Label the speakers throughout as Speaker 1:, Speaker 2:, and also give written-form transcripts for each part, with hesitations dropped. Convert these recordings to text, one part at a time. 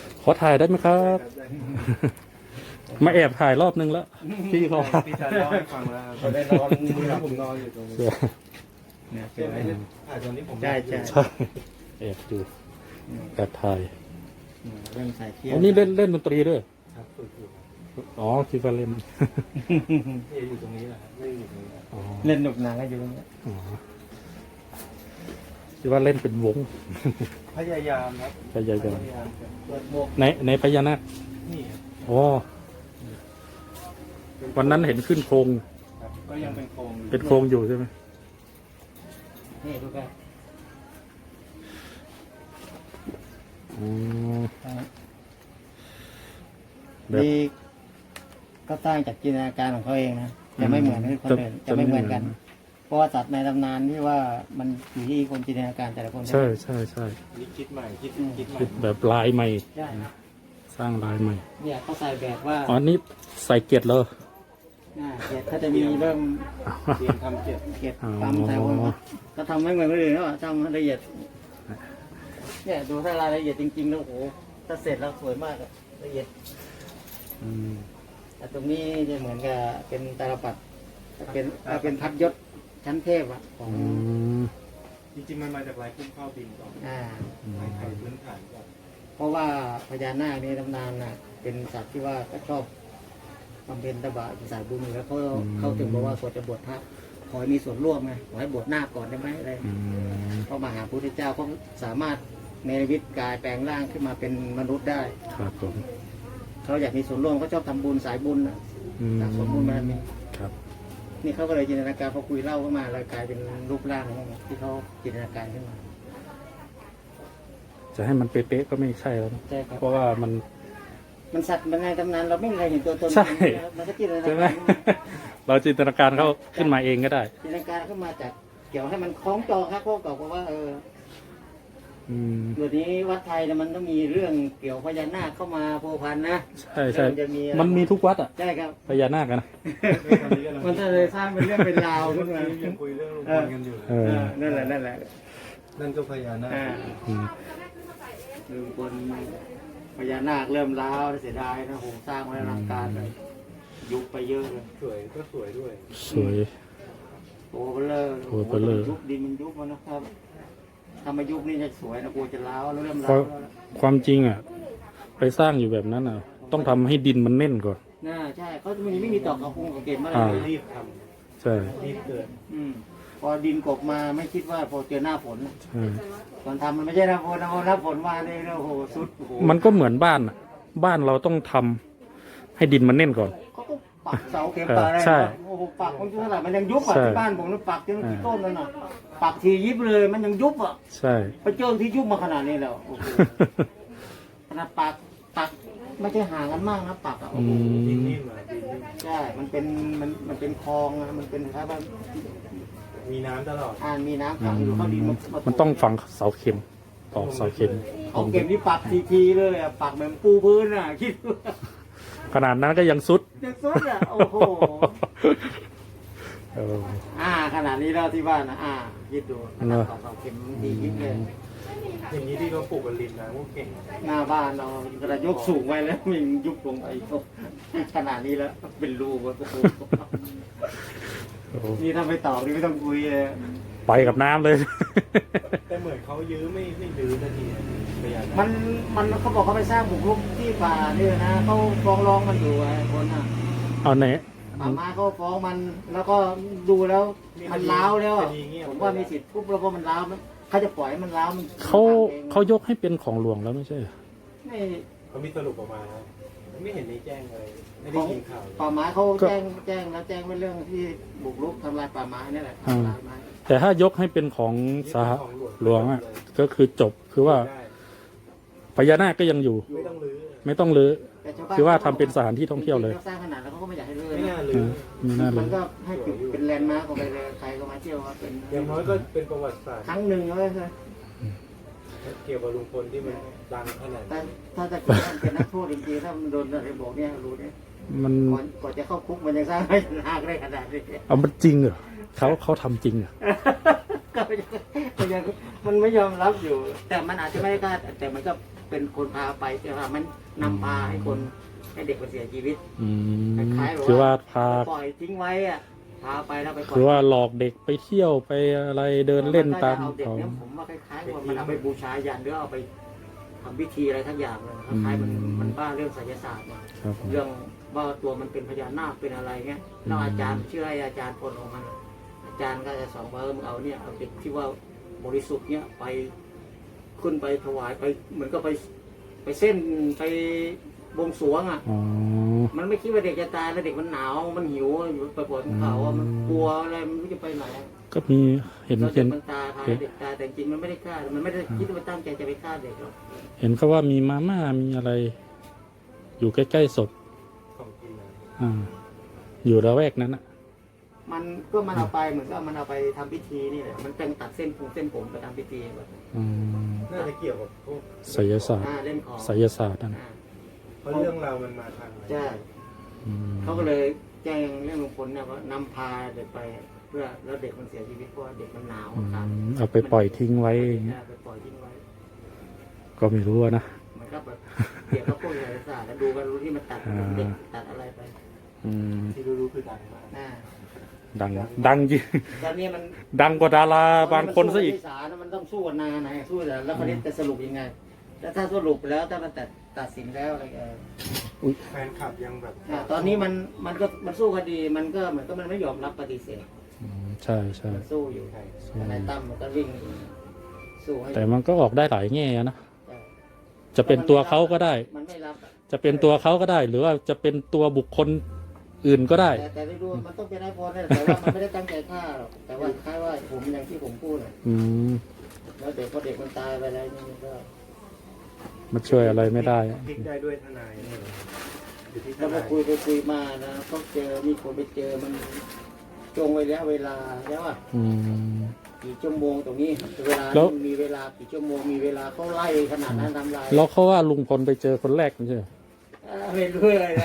Speaker 1: ขอถ่ายได้ไหมครับ มาแอบถ่ายรอบนึงแล้วพี่เขา
Speaker 2: พี่ชายเล่าให้ฟังแล้วครับได้นอนผมนอนอยู่ตรงนี้เนี่ยเป็นไงถ่ายตอนนี้ผมใช่
Speaker 1: ใช่แอบดูแอบถ่าย
Speaker 2: เรื่องสายเที่ยว
Speaker 1: อ๋อนี่เล่นดนตรีด้วย
Speaker 2: ครับฝึกอยู่
Speaker 1: อ๋อคิดว่าเล่น
Speaker 2: พี่อยู่ตรงนี้แหละเล่นอยู่ตรงนี้
Speaker 1: อ๋อ
Speaker 2: เล่นหนุกหนาก็อยู่ตรงนี้
Speaker 1: อ๋อคิดว่าเล่นเป็นวง
Speaker 2: พยายามครับ
Speaker 1: พยายาม
Speaker 2: เปิดหมวก
Speaker 1: ในพญานาค
Speaker 2: นี่
Speaker 1: อ๋อวันนั้นเห็นขึ้นโครง
Speaker 2: ครับก็ยังเป็นโครงอยู่
Speaker 1: เป็นโครงอยู่ใช่ไหม
Speaker 2: นี่ดูกัน
Speaker 1: อ๋อแบบ
Speaker 3: นี่ก็สร้างจากจินตนาการของเขาเองนะจะไม่เหมือนคนอื่นจะไม่เหมือนกัน เพราะว่าสัตว์ในตำนานที่ว่ามันอยู่ที่คนจินตนาการแต่ละคน
Speaker 1: ใช่ใช่ใช่
Speaker 2: นี่คิดใหม่คิดใหม่
Speaker 1: คิดแบบลายใหม่
Speaker 3: ใช่
Speaker 1: สร้างลายใหม่
Speaker 3: เนี่ยเขาใส่แบบว่า
Speaker 1: อ๋อนี่ใส่เกล็ดเลย
Speaker 3: เกล็ดเขาจะมีเริ่ม
Speaker 2: เตรียมทำเจ็บ
Speaker 3: เกล็ดปั๊มใส่ว่าก็ทำไม่เหมือนคนอื่นแล้วทำละเอียดเนี่ยดูถ้ารายละเอียดจริงๆแล้วโอ้โหถ้าเสร็จแล้วสวยมากอะละเอียด
Speaker 1: อืม
Speaker 3: แต่ตรงนี้จะเหมือนกับเป็นตาลปัดเป็นพัดยศชั้นเทพอะของ
Speaker 1: อืม
Speaker 2: จริงๆมันมาจากลายคุ้มข้าวบินก่อน
Speaker 3: อ่า
Speaker 2: ลายไทยพื้นฐานก่อน
Speaker 3: เพราะว่าพญานาคในตำนานน่ะ เป็นสัตว์ที่ว่าก็ชอบบำเพ็ญตบะสายบุญอยู่แล้วเขาถึงบอกว่าก่อนจะบวชพระขอให้มีส่วนร่วมไงขอให้บวชนาคก่อนได้ไหมอะไร
Speaker 1: อืม
Speaker 3: เพราะมาหาพระพุทธเจ้าเขาสามารถเนรมิตกายแปลงร่างขึ้นมาเป็นมนุษย์ได้
Speaker 1: ครับผม
Speaker 3: เขาอยากมีส่วนร่วมเขาชอบทำบุญสายบุญน่ะ
Speaker 1: อืม
Speaker 3: สะสมบุญบารมี
Speaker 1: ครับ
Speaker 3: นี่เขาก็เลยจินตนาการพอคุยเล่าขึ้นมาแล้วกลายเป็นรูปร่างของที่เขาจินตนาการขึ้นมา
Speaker 1: จะให้มันเป๊ะๆก็ไม่ใช่แล้วนะ
Speaker 3: ใช่ครับ
Speaker 1: เพราะว่ามัน
Speaker 3: มันสัตว์มันในตำนานเราไม่เคยเห็นตัวตน
Speaker 1: ใช่
Speaker 3: มันก็จินตนา
Speaker 1: ใช่ไหม
Speaker 3: การ
Speaker 1: เราจินตนาการเขาขึ้นมาเองก็ได้
Speaker 3: จินตนาการขึ้นมาจากเกี่ยวให้มันคล้องจองครับพวกเก่าเพราะว่า
Speaker 1: อืม
Speaker 3: เดี๋ยวนี้วัดไทยเนี่ยมันต้องมีเรื่องเกี่ยวพญานาคเข้ามาพัวพันนะ
Speaker 1: ใช่ใช่
Speaker 3: มันจะมีอะไร
Speaker 1: มันมีทุกวัดอ่ะ
Speaker 3: ใช่ครับ
Speaker 1: พญานาคอะนะ
Speaker 3: มันก็เลยสร้างเป็นเรื่องเป็นราวขึ้นมา
Speaker 2: ยังคุยเรื่องลุงพลกันอยู่
Speaker 1: เออ
Speaker 3: นั่นแหละ
Speaker 2: นั่นก็พญานาค
Speaker 3: อ่า
Speaker 1: อืม
Speaker 3: ลุงพลพญานาคเริ่มร้าวเสียดายนะโหสร้างไว้อลังการเลยยุบไปเยอะเลย
Speaker 2: สวยก็สวยด้วย
Speaker 1: สวย
Speaker 3: โอ้เบลอ
Speaker 1: โอ้เบลอ
Speaker 3: ยุบดินมันยุบมันนะครับถ้ามายุบนี่จะสวยนะกลัวจะร้าวแล้วเริ่ม
Speaker 1: เพ
Speaker 3: ร้า
Speaker 1: ราะ
Speaker 3: วแล้ว
Speaker 1: ความจริงอ่ะ ไปสร้างอยู่แบบนั้นอ่ะ ต้องทำให้ดินมันแน่นก่อน
Speaker 3: น่าใช่เขาจะไม่มีตอกกระพุ้งกระเก็บมาเล
Speaker 1: อ่า
Speaker 3: ย
Speaker 2: รีบท
Speaker 1: ใช่
Speaker 2: ำรีบเกิด
Speaker 3: พอดินกบมาไม่คิดว่าพอเจอหน้าฝน
Speaker 1: ใช่
Speaker 3: ตอนทำมันไม่ใช่หน้าฝนนะพอหน้าฝนมาเนี่ยโอ้โหสุดโอ้โห
Speaker 1: มันก็เหมือนบ้านอ่ะ บ้านเราต้องทำให้ดินมันแน่นก่อน
Speaker 3: เขาก็ปักเสาเข็มปักอะไร
Speaker 1: ใช่
Speaker 3: โอ้โหปักมันเท่าไหร่มันยังยุบอ่ะ
Speaker 1: ใช่
Speaker 3: ที่บ้านผมมันปักจนกี่ต้นแล้วน่ะปักทียิบเลยมันยังยุบอ่ะ
Speaker 1: ใช่
Speaker 3: ไปเจอที่ยุบมาขนาดนี้แล้วโอ้โหขนาดปักไม่ใช่ห่างกันมากนะปักอ่ะโอ้
Speaker 1: อื
Speaker 3: โห
Speaker 1: ม
Speaker 2: ดินนิ่มอ่ะดินนิ่ม
Speaker 3: ใช่มันเป็นคลองนะมันเป็นครับว่า
Speaker 2: มีน้ำตลอด
Speaker 3: มีน้ำขังอยู่เข้าดิน
Speaker 1: มันต้องฝังเสาเข็มตอกเสาเข็ม
Speaker 3: เอาเก็บที่ปักทีเลยอ่ะปักเหมือนปูพื้นอ่ะคิดดู
Speaker 1: ขนาดนั้นก็ยังสุด
Speaker 3: จะสุดอ่ะโอ้โห
Speaker 1: เออ
Speaker 3: ขนาดนี้แล้วที่บ้านนะคิดดูข
Speaker 1: เน
Speaker 3: นาด
Speaker 1: อะ
Speaker 3: ตอกเสาเข็มดียิบเลย
Speaker 2: อย่างนี้ที่เขาปลูกกันริมน้ำพวกเก่ง
Speaker 3: หน้าบ้านเรากระยกสูงไว้แล้วมันยุบลงไปขนาดนี้แล้วเป็นรูโอ้โห
Speaker 1: โอ้
Speaker 3: นี่ถ้าไปตอกนี่ไม่ต้องคุยเลย
Speaker 1: ไปกับน้ำเลย
Speaker 2: แต่เหมือนเขายื้อไม่ยื้อนาทีพญานาค
Speaker 3: มันเขาบอกเขาไปสร้างบุกรุกที่ป่านี่นะเขาฟ้องร้องมันอยู่ไอ้คนน่ะ
Speaker 1: เอาไหน
Speaker 3: ป่าไม้เขาฟ้องมันแล้วก็ดูแล้วมันล้าวแล้วอะผมว่ามีสิทธิ์ปุ๊บแล้วก็มันล้าวมันเขาจะปล่อยให้มันล้าวมัน
Speaker 1: เขายกให้เป็นของหลวงแล้วไม่ใช่เหรอ
Speaker 3: ไม่
Speaker 2: เขามีสรุปออกมานะไม่เห็นในแจ้งเลยไม่
Speaker 3: ข
Speaker 2: ได้
Speaker 3: อง
Speaker 2: ยินข่าวเลย
Speaker 3: ป่าไม้เขาแจ้งแล้วแจ้งไว้เรื่องที่บุกรุกทำลายป่าไม้นี่แหละทำลายไม้
Speaker 1: แต่ถ้ายกให้เป็นของสหหลวงอ่ะ ก็คือจบคือว่า
Speaker 2: ได้
Speaker 1: พญานาคก็ยังอยู่
Speaker 2: ไม่ต้องรื้อ
Speaker 1: ไม่ต้องรื้อ
Speaker 3: แต่ชาวบ้น
Speaker 1: คือว่าทำเป็นสถานที่ท่องเที่ยวเลย
Speaker 3: ขาสร้างขนาดแล้วเขาก็ไม่อยากให้เลิก
Speaker 2: ไม่น่า
Speaker 3: นะ
Speaker 2: รื้อ
Speaker 1: มีหน้าเล
Speaker 3: มัน
Speaker 1: ย
Speaker 3: ก็ให้เป็นแลนด์มาร์คของไปเลยใครก็มาเที่ยวว่าเป็น
Speaker 2: อย่างน้อยก็เป็นประวัติศาสตร์
Speaker 3: ครั้งหนึ่งเลย
Speaker 2: เกี่ยวกับลุงพลที่มันดังขนาด
Speaker 3: แต่
Speaker 2: นี้
Speaker 3: ถ้าจะเกิดเป็นนักโทษจริงๆถ้ามันโดนอะไรบอกเนี่ยรู้เนี่ย
Speaker 1: มัน
Speaker 3: ก่อนจะเข้าคุกมันยังสร้างให้หากได้ขนาดนี้
Speaker 1: เอามันจริงเหรอเขาทำจริงเหรอ
Speaker 3: ก็ยังมันไม่ยอมรับอยู่ แต่มันอาจจะไม่ได้กล้าแต่มันก็เป็นคนพาไปแต่ว่ามันนำพาให้คนให้เด็กมันเสียชีวิต
Speaker 1: อืม
Speaker 3: คล้ายๆแบบ
Speaker 1: คือว่าพา
Speaker 3: ปล่อยทิ้งไว้อะพาไปแล้วไปปล่อย
Speaker 1: คือว่าหลอกเด็กไปเที่ยวไปอะไรเดินเล่นตาม
Speaker 3: เอาเด็ก
Speaker 1: เขา
Speaker 3: เนี่ยผมว่าคล้ายๆว่ามันเอาไปบูชายันหรือเอาไปทำพิธีอะไรทั้งอย่างเลยคล้ายๆมันบ้าเรื่องไสยศาสตร์เนี่ย
Speaker 1: ครับผม
Speaker 3: เรื่องว่าตัวมันเป็นพญานาคเป็นอะไรเงี้ยแล้วอาจารย์เชื่อให้อาจารย์คนของมันอาจารย์ก็จะสอนว่ามึงเอาเนี่ยเอาเด็กที่ว่าบริสุทธิ์เนี่ยไปขึ้นไปถวายไปเหมือนก็ไปเส้นไปบวงสรวงอ่ะ
Speaker 1: อ๋อ
Speaker 3: มันไม่คิดว่าเด็กจะตายแล้วเด็กมันหนาวมันหิวอยู่ไปปวดเขาอ่ะมันกลัวอะไรมันไม่รู้จะไปไหน
Speaker 1: ก็มีเห็น
Speaker 3: แล้ว
Speaker 1: เห็
Speaker 3: เด็ก
Speaker 1: น
Speaker 3: มันตายพาเด็กตายแต่จริงมันไม่ได้ฆ่ามันไม่ได้คิดว่าตั้งใจจะไปฆ่าเด็กหรอก
Speaker 1: เห็นเขาว่ามีมาม่ามีอะไร อยู่ใกล้ๆศพ
Speaker 2: ของกินนะ
Speaker 1: อ่า อยู่ระแวกนั้นอ่ะ
Speaker 3: มันก็มันเอาไปเหมือนก็มันเอาไปทำพิธีนี่แหละมันเป็นตัดเส้นผมไปทำพิธีแบบ
Speaker 1: อืม
Speaker 2: น่าจะเกี่ยวกับพวก
Speaker 1: ไสยศาสตร์
Speaker 3: เล่นของ
Speaker 1: ไสยศาสตร์นั่น
Speaker 3: อ่า
Speaker 2: เพราะเรื่องราวมันมาทางไหน
Speaker 3: ใช่
Speaker 1: อืม
Speaker 3: เขาก็เลยแจ้งเรื่องลุงพลเนี่ยว่านำพาเด็กไปเพื่อแล้วเด็กมันเสียชีวิตเพราะว่าเด็กมันหนาว
Speaker 1: อื
Speaker 3: ครับ
Speaker 1: มเอาไปปล่อยทิ้งไว้อย่างเงี้ย
Speaker 3: ไปปล่อยทิ้งไว้
Speaker 1: ก็ไม่รู้อะนะ
Speaker 3: มันก็แบบเกี่ยวกับพวกไสยศาสตร์แล้วดูกันรู้ที่มันตัดเด็กตัดอะไรไป
Speaker 1: อืม
Speaker 2: ที่รู้ๆคือดังมาก
Speaker 3: น่า
Speaker 1: ดัง ดังจริง
Speaker 3: ตอนนี้มัน
Speaker 1: ดังกว่าดาราบางคนซะอีก
Speaker 3: ศาลมันต้องสู้กันนานไหนสู้แต่แล้วคนนี้จะสรุปยังไง แล้วถ้าสรุปแล้วถ้ามันตัดสินแล้วอะไร
Speaker 2: แฟนคลับยังแบบ
Speaker 3: ตอนนี้มันสู้คดีมันก็เหมือนก็มันไม่ยอมรับปฏิเสธ
Speaker 1: อืมใช่ใช่
Speaker 3: มันสู้อยู่ทนายตั้มมันก็วิ่งสู้ให้
Speaker 1: แต่มันก็ออกได้หลายแง่นะ
Speaker 3: ใช่
Speaker 1: จะเป็นตัวเขาก็ได้
Speaker 3: มันไม่รับอะ
Speaker 1: จะเป็นตัวเขาก็ได้ หรือว่าจะเป็นตัวบุคคลอื่นก็ได้
Speaker 3: แต่ได้ดูมันต้องเป็นนายพลนั่นแหละแต่ว่ามันไม่ได้ตั้งใจฆ่าหรอกแต่ว่าคล้ายว่าผมอย่างที่ผมพูดน่ะ
Speaker 1: อืม
Speaker 3: แล้วเด็กพอเด็กมันตายไปแล้วนี่มันก็
Speaker 1: มันช่วยอะไรไม่ได้
Speaker 2: พลิกได้ด้วยทนายเนี่ยเหรออยู่ที่ท
Speaker 3: แล้ว
Speaker 2: นา
Speaker 3: มาย คุยมานะเขาเจอมีคนไปเจอมันจงไว้แล้วเวลาแล้วอ่ะ
Speaker 1: อืม
Speaker 3: กี่ชั่วโมงตรงนี้เวลา
Speaker 1: แล้ว
Speaker 3: มีเวลากี่ชั่วโมงมีเวลาเขาไล่ขนาดนั้นทำลาย
Speaker 1: แล้วเขาว่าลุงพลไปเจอคนแรกไม่ใช่เหรอ
Speaker 3: ไม่รู้อะไรนะ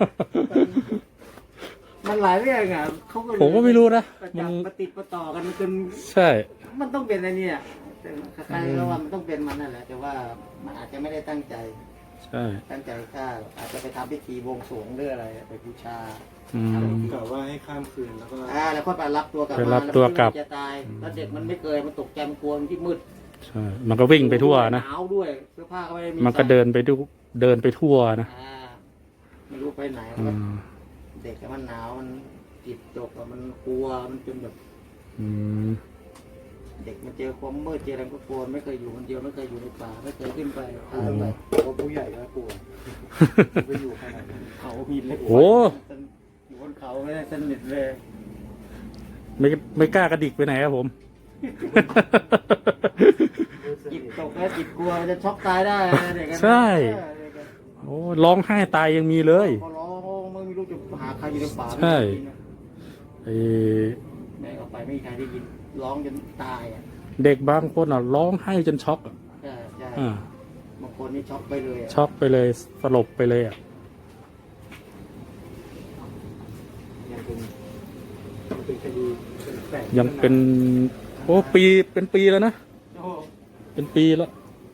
Speaker 3: มันหลายเรื่องอ่ะเขาก็เลย
Speaker 1: ผมก็ไม่รู้นะ
Speaker 3: ประ
Speaker 1: มั
Speaker 3: จั
Speaker 1: น
Speaker 3: บประติดประต่อกันจน
Speaker 1: ใช่
Speaker 3: มันต้องเป็นอะไรเนี่ยแต่ใครๆก็ว่ามันต้องเป็นมันนั่นแหละแต่ว่ามันอาจจะไม่ได้ตั้งใจ
Speaker 1: ใช่
Speaker 3: ตั้งใจฆ่าอาจจะไปทำพิธีบวงสรวงหรืออะไรไปบูชา
Speaker 1: อืม
Speaker 2: กล่าวว่าให้ข้ามคืนแล้วก็
Speaker 3: แล้วค่อยไปรับตัวกลับ
Speaker 1: ไป
Speaker 3: มา
Speaker 1: รับตัวกลับ
Speaker 3: แจะตายแล้วเด็กมันไม่เคยมันตกใจมันกลัวมันที่มืด
Speaker 1: ใช่ มันก็วิ่งไปทั่วนะ
Speaker 3: หนาวด้วยเสื้อผ้าก็ไม่ได้มี
Speaker 1: มันก็
Speaker 3: ใส่
Speaker 1: เดินไปเดินไปทั่วนะ
Speaker 3: ไม่รู้ไปไหน
Speaker 1: อืม
Speaker 3: เด็กมันหนาวมันจิตตกอะมันกลัวมันจนแบบ
Speaker 1: อืม
Speaker 3: เด็กมันเจอความมืดเจออะไรก็กลัวไม่เคยอยู่คนเดียวไม่เคยอยู่ในป่าไม่เคยขึ้นไปพาไป
Speaker 2: เพราะผู้ใหญ่ก็กลัวไปอยู่ขนาดนั้น
Speaker 3: เขาหินเลย
Speaker 1: โอ้
Speaker 3: อยู่บนเขาไม่ได้สนิทเลย
Speaker 1: ไม่กล้ากระดิกไปไหนครับผม
Speaker 3: จิตตกแล้วจิตกลัวมันจะช็อกตายได้นะเด็กกัน
Speaker 1: ใช่ โอ้ร้องไห้ตายยังมีเลย
Speaker 3: พอร้องไม่รู้จะหาใครอยู่ในป่า
Speaker 1: ใช่
Speaker 3: ไม่ได้ยินนะ
Speaker 1: ไอ้
Speaker 3: แม่ออกไปไม่มีใครได้ยินร้องจนตายอ่ะ
Speaker 1: เด็กบางคนอ่ะร้องไห้จนช็อกอ่ะ
Speaker 3: ใช่ใช่
Speaker 1: อ่า
Speaker 3: บางคนนี่ช็อกไปเลยอะ
Speaker 1: ช็อกไปเลยสลบไปเลยอ่ะ
Speaker 2: ยังเป็นคดีเป็นแปลก
Speaker 1: ยังเป็นโอ้เป็นปีแล้วนะ
Speaker 3: โอ้
Speaker 1: เป็นปีแล้ว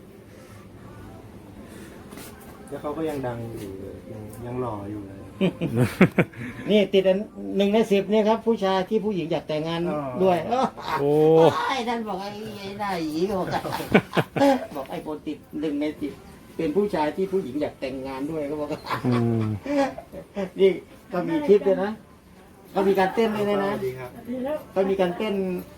Speaker 2: แล้วเขาก็ยังดังอยู่เลยยังหล่ออยู่เลย
Speaker 3: นี่ติดอัน1 ใน 10เนี่ยครับ ผู้ชายที่ผู้หญิงอยากแต่งงาน
Speaker 2: อ๋อ
Speaker 3: ด้วย
Speaker 1: โอ้
Speaker 3: ไอ้ท่านบอกไอ้หน้าหยีก็บอก บอกไอ้คนติด1 ใน 10เป็นผู้ชายที่ผู้หญิงอยากแต่งงานด้วยก็บอก
Speaker 1: อืม
Speaker 3: นี่ก็มีคลิปด้วยนะก็มีการเต้นด้วยนะ
Speaker 2: สวัสดีครับ
Speaker 3: ก็มีการเต้น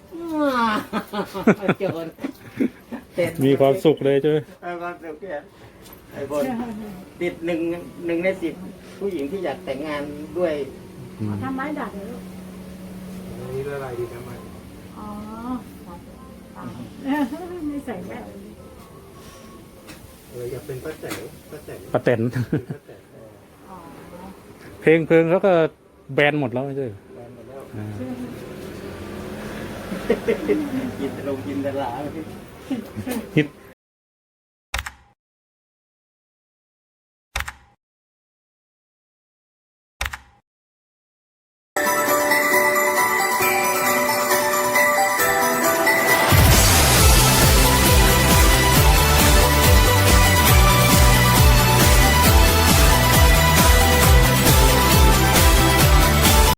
Speaker 3: เจอคนเต้น
Speaker 1: มีความสุขเลยใช่ไหม
Speaker 3: ความสุขเนี่ยไอ้บนติดหนึ่งใน 10ผู้หญิงที่อยากแต่งงานด้วย
Speaker 1: อืม
Speaker 4: ทำไม้ดัดเหรอลูก
Speaker 2: อันนี้ละลายดีทำไม
Speaker 4: อ๋อไม่ใส่แว่น
Speaker 2: อยากเป็นป้าแต๋วป้าแต๋ว
Speaker 1: ป้าแตน
Speaker 2: ป้าแต๋ว
Speaker 4: อ๋อ
Speaker 1: เพลงเขาก็แบนหมดแล้วไม่ใช่เหรอ
Speaker 3: แฟนหมดแล้ว
Speaker 1: อ่า
Speaker 3: กินลงกินตลาด
Speaker 1: ฮิต